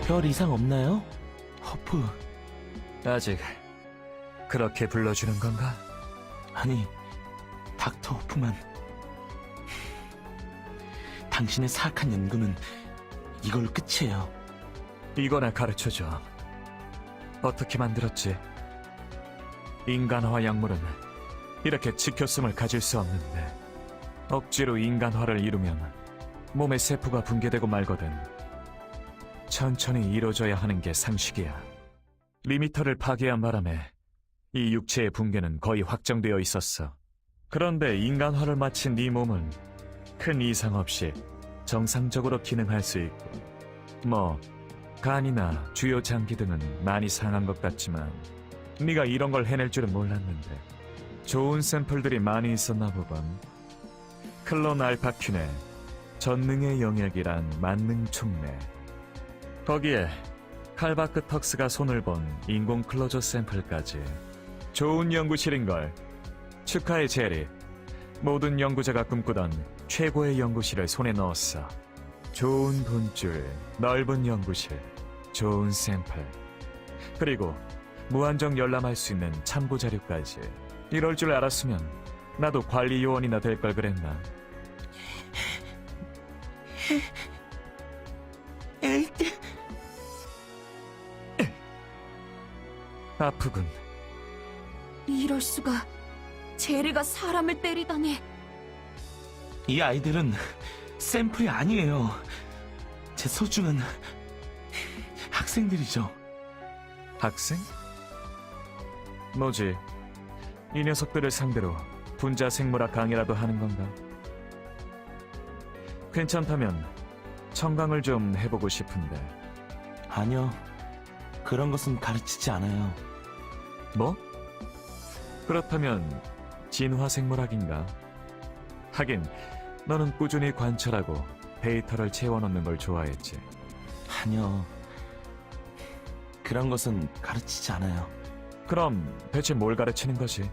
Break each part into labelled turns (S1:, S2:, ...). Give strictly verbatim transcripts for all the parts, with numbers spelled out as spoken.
S1: 별 이상 없나요? 허프.
S2: 아직 그렇게 불러주는 건가?
S1: 아니, 닥터 호프만. 당신의 사악한 연구는 이걸로 끝이에요.
S2: 이거나 가르쳐줘. 어떻게 만들었지? 인간화 약물은 이렇게 지켰음을 가질 수 없는데 억지로 인간화를 이루면 몸의 세포가 붕괴되고 말거든. 천천히 이루어져야 하는 게 상식이야. 리미터를 파괴한 바람에 이 육체의 붕괴는 거의 확정되어 있었어. 그런데 인간화를 마친 네 몸은 큰 이상 없이 정상적으로 기능할 수 있고, 뭐 간이나 주요 장기 등은 많이 상한 것 같지만 네가 이런 걸 해낼 줄은 몰랐는데 좋은 샘플들이 많이 있었나 보군. 클론 알파퀸의 전능의 영역이란 만능 촉매, 거기에 칼바크 턱스가 손을 본 인공 클로저 샘플까지. 좋은 연구실인걸. 축하해 제리. 모든 연구자가 꿈꾸던 최고의 연구실을 손에 넣었어. 좋은 돈줄, 넓은 연구실, 좋은 샘플, 그리고 무한정 열람할 수 있는 참고 자료까지. 이럴 줄 알았으면 나도 관리 요원이나 될 걸 그랬나.
S1: 에이트.
S2: 아프군.
S3: 이럴 수가. 제리가 사람을 때리다니.
S1: 이 아이들은 샘플이 아니에요. 제 소중한 학생들이죠.
S2: 학생? 뭐지? 이 녀석들을 상대로 분자 생물학 강의라도 하는 건가? 괜찮다면 청강을 좀 해보고 싶은데.
S1: 아니요, 그런 것은 가르치지 않아요.
S2: 뭐? 그렇다면 진화 생물학인가? 하긴 너는 꾸준히 관찰하고 데이터를 채워넣는 걸 좋아했지.
S1: 아니요, 그런 것은 가르치지 않아요.
S2: 그럼 대체 뭘 가르치는 거지?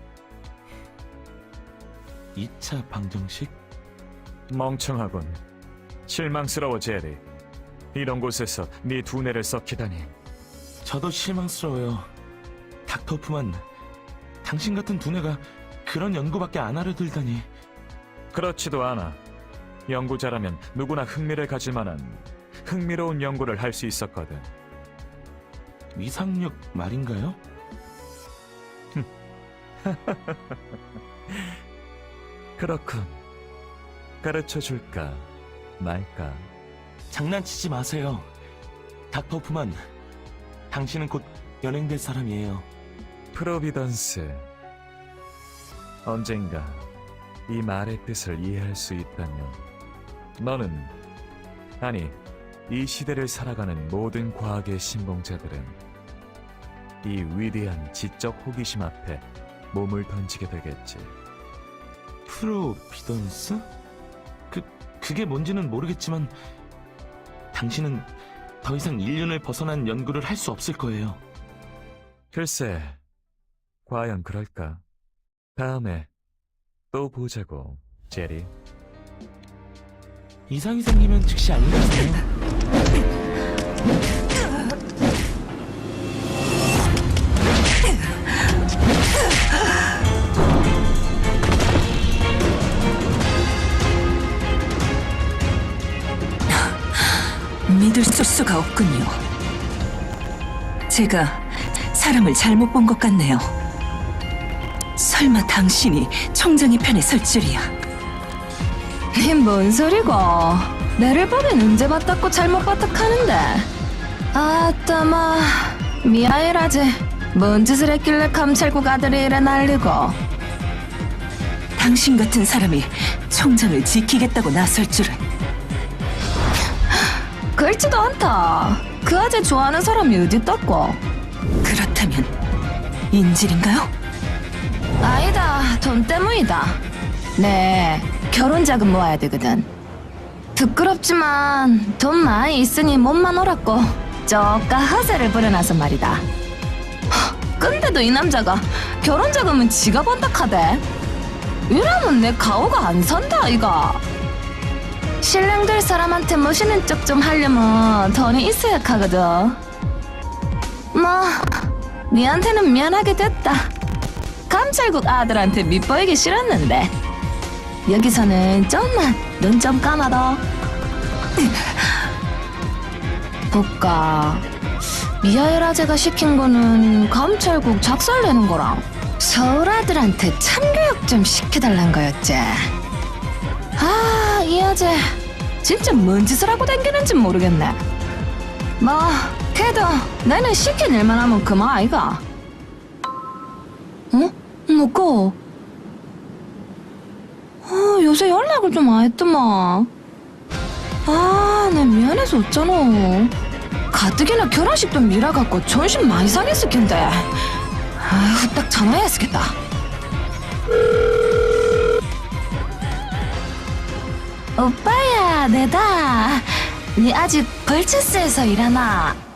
S1: 이 차 방정식?
S2: 멍청하군. 실망스러워 제리. 이런 곳에서 네 두뇌를 썩히다니.
S1: 저도 실망스러워요. 닥터 호프만, 당신 같은 두뇌가 그런 연구밖에 안 하려 들다니.
S2: 그렇지도 않아. 연구자라면 누구나 흥미를 가질 만한 흥미로운 연구를 할 수 있었거든.
S1: 위상력 말인가요?
S2: 그렇군. 가르쳐줄까 말까.
S1: 장난치지 마세요. 닥터 호프만, 당신은 곧 연행될 사람이에요.
S2: 프로비던스. 언젠가 이 말의 뜻을 이해할 수 있다면 너는, 아니 이 시대를 살아가는 모든 과학의 신봉자들은 이 위대한 지적 호기심 앞에 몸을 던지게 되겠지.
S1: 프로비던스? 그, 그게 뭔지는 모르겠지만 당신은 더 이상 인륜을 벗어난 연구를 할 수 없을 거예요.
S2: 글쎄, 과연 그럴까? 다음에 또 보자고, 제리.
S1: 이상이 생기면 즉시 알려주세요.
S4: 믿을 수가 없군요. 제가 사람을 잘못 본 것 같네요. 설마 당신이 총장의 편에 설 줄이야.
S3: 이 뭔 소리고. 나를 보긴 언제 봤다고 잘못 봤다카는데. 아따마 미아이라지. 뭔 짓을 했길래 감찰국 아들이 이래 난리고.
S4: 당신 같은 사람이 총장을 지키겠다고 나설 줄은.
S3: 그렇지도 않다. 그 아재 좋아하는 사람이 어딨다고.
S4: 그렇다면 인질인가요?
S3: 아니다, 돈 때문이다. 네, 결혼 자금 모아야 되거든. 부끄럽지만 돈 많이 있으니 몸만 오랐고 저까 허세를 부려놔서 말이다. 하, 근데도 이 남자가 결혼 자금은 지가 번다 카대. 이러면 내 가오가 안 산다 이가. 신랑 될 사람한테 멋있는 척 좀 하려면 돈이 있어야 하거든. 뭐 니한테는 미안하게 됐다. 감찰국 아들한테 밑보이기 싫었는데 여기서는 좀만 눈 좀 감아둬. 볼까. 미하엘아재가 시킨 거는 감찰국 작살내는 거랑 서울 아들한테 참교육 좀 시켜달란 거였지. 아, 이 아재 진짜 뭔 짓을 하고 다니는지 모르겠네. 뭐 걔도 나는 시킨 일만 하면 그만 아이가. 어? 뭐고? 아, 요새 연락을 좀 안 했더만. 아, 내 미안해서 어쩌노. 가뜩이나 결혼식도 미뤄갖고 존심 많이 상했을 텐데. 아, 후딱 전화해야 쓰겠다. 오빠야, 내다. 니 아직 벌처스에서 일하나?